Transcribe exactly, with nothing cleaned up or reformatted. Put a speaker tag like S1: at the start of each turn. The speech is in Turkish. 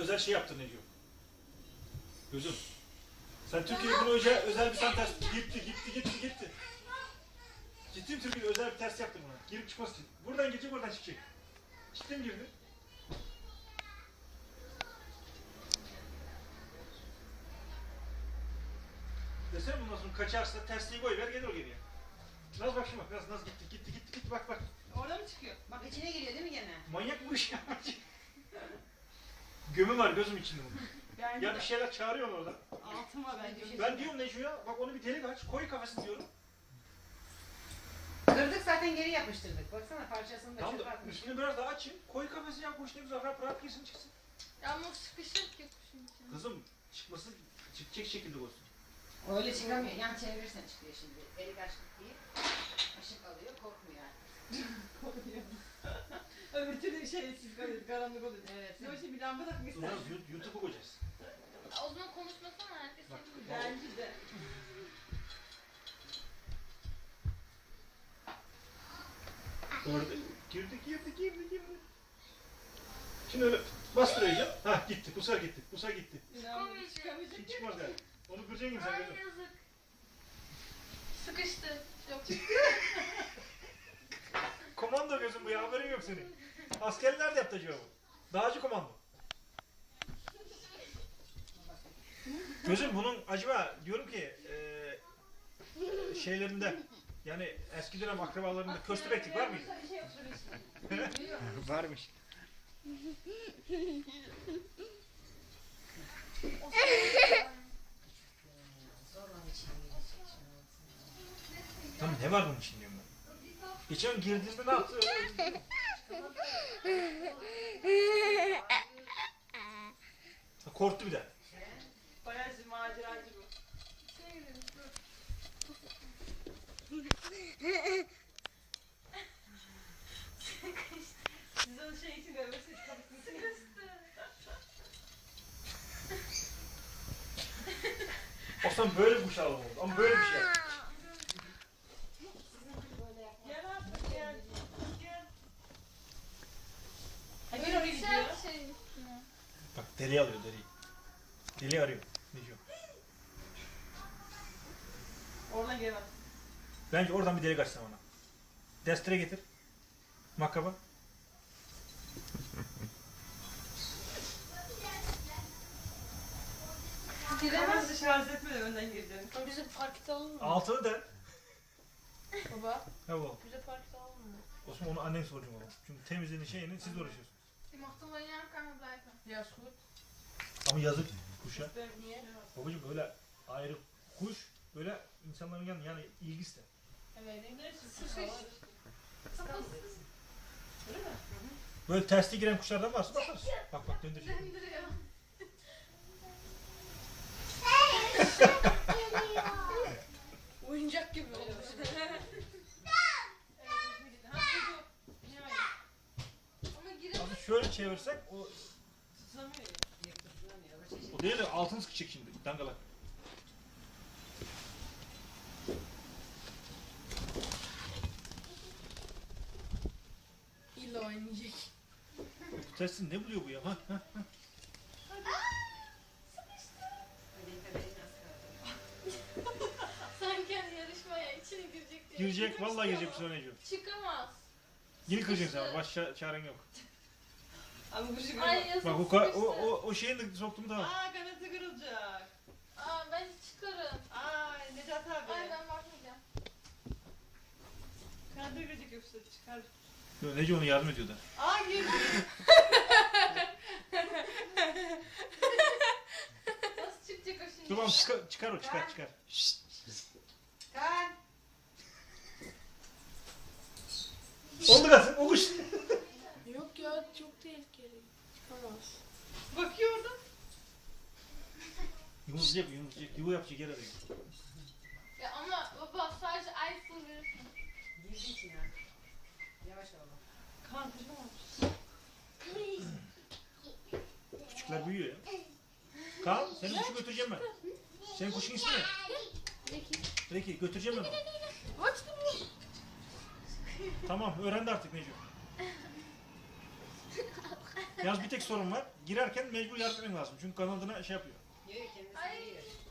S1: özel şey yaptın Neco. Gözüm. Sen Türkiye'ye bunu özel, özel bir tane ters gitti gitti gitti gitti. Ciddiyim, Türkiye'de özel bir ters yaptım buna. Girip çıkması için. Buradan girecek, oradan çıkacak. Ciddi mi girdi? Desene bundan sonra kaçarsa tersliği koy ver, gelir o geriye. Naz bak şimdi bak, Naz, Naz gitti gitti gitti gitti bak bak.
S2: Orada mı çıkıyor? Bak içine giriyor değil mi gene?
S1: Manyak bu iş ya. Gömü var gözüm içinde bunun.
S2: Bence
S1: Ya
S2: de.
S1: bir şeyler çağırıyor orada.
S2: Altıma bence.
S1: Ben diyorum Neco'ya, bak onu bir delik aç, koy kafasını diyorum.
S2: Kırdık zaten geri yapıştırdık. Baksana parçasını da
S1: Tamam
S2: çöpe
S1: da
S2: atmış.
S1: üstünü biraz daha açayım, koy kafasını ya, koş ne güzel rahat rahat girsin çıksın.
S3: Ya ama sıkışır ki kuşun içine.
S1: Kızım çıkması çıkacak şekilde olsun.
S2: Öyle çıkamıyor. Yan çevirirsen çıkıyor şimdi. Delik açtık diye. Işık alıyor. Korkmuyor artık. Korkuyor. Öbür türlü şeysiz kalıyor. Karanlık oluyor. Evet. Ne o şey bir lamba takmışsın.
S1: Sonra YouTube'u koyacağız.
S3: O zaman konuşmasana herkes
S1: Bak,
S3: seni
S2: Bence de.
S1: Orada girdi girdi girdi girdi. Şimdi öyle bastıracağım. Hah gitti, bu sefer gitti, bu sefer gitti.
S2: İnanmıyorum. Çıkamayacak.
S1: Hiç çıkmaz yani. Onu kıracaksın gibi sen
S3: Ay
S1: gözüm.
S3: yazık. Sıkıştı. Yok.
S1: Komando gözüm bu ya, haberin yok senin. Askerler de yaptı acaba bu. Dağcı komando. Gözüm bunun acaba diyorum ki eee şeylerinde yani eski dönem akrabalarında köstebeklik var mıydı?
S2: Bir şey yoktur işte.
S1: Varmış. Tamam ne var bunun için diyorum ben. Geçen girdiğimde ne yaptı? Ha, korktu bir de.
S2: Bayağı maceracı bu. Siz onun şey için görmüşsünüz. Kapısını sıkıştı.
S1: Aslında böyle bir kuşağı oldu ama böyle bir şey.
S2: Gel artık gel. Gel. Ha gel oraya gidiyor.
S3: Güzel bir şeyin üstüne.
S1: Bak deri alıyor deri. Deli arıyor. Ne diyor?
S2: Oradan gel bak.
S1: Bence oradan bir delik açsam ona. Destere getir. Makaba.
S3: Giremez.
S2: Kamerası şarj etme de önden gireceğim.
S3: Bize parkta alın mı?
S1: Altını da.
S3: Baba.
S1: Ne bu?
S3: Bize parkta alın mı?
S1: Osman onu annen soracağım ona. Çünkü temizliğini şeyini siz uğraşıyorsunuz.
S3: Die mochten wel ja kan blijven.
S2: Ya goed.
S1: Ama yazık kuşa.
S2: Niye?
S1: Babacım böyle ayrı kuş böyle insanların yanında yani ilgi ister.
S2: Evet. Neresi?
S3: Sıkış. Kafası
S2: Öyle mi?
S1: Böyle tersli giren kuşlardan varsa bakarız. Bak bak döndüreceğim.
S3: döndürüyor. Oyuncak gibi oldu. Ama giremez.
S1: Ama şöyle çevirsek o,
S2: Tutamıyor ya. Tutamıyor.
S1: o değil de altını sıkacak şimdi dangalak.
S3: İlla oynayacak.
S1: Bu tersin ne buluyor bu ya? Ha, ha, ha.
S3: Sanki hani yarışmaya içine girecek diye.
S1: Girecek vallahi girecek bir sonra diyor.
S3: Çıkamaz.
S1: Yine kıracaksın sen baş ça- çaren yok.
S2: Ama bu şey
S3: Ay yazık.
S1: Bak o, ka- o, o, o şeyin de soktu mu tamam.
S2: Aa kanatı kırılacak.
S3: Aa ben çıkarım.
S2: Ay Necat abi.
S3: Ay ben bakmayacağım.
S2: Kanatı kırılacak yoksa çıkar.
S1: Yo, Nece ona yardım ediyor da.
S2: Aa girdi.
S3: Nasıl çıkacak o şimdi?
S1: Tamam çıkar, çıkar o çıkar çıkar.
S2: Kan.
S1: Oldu gazı o kuş.
S3: Yok ya çok tehlikeli. Çıkamaz.
S2: Bakıyor orada.
S1: Yumurtlayacak yumurtlayacak yuva yapacak yer arıyor.
S3: Ya ama baba sadece ay full verirsin.
S2: Girdi içine. Yavaş ol. Kan kırılmamış.
S1: Küçükler büyüyor ya. Kaan senin kuşu götüreceğim ben. Senin kuşun ismi ne?
S3: Peki.
S1: Peki götüreceğim ben onu.
S3: Açtım mı?
S1: Tamam öğrendi artık Neco. Yalnız bir tek sorun var. Girerken mecbur yardım etmen lazım. Çünkü kanadına şey yapıyor.
S2: Yok kendisi
S3: Ay.
S2: giriyor.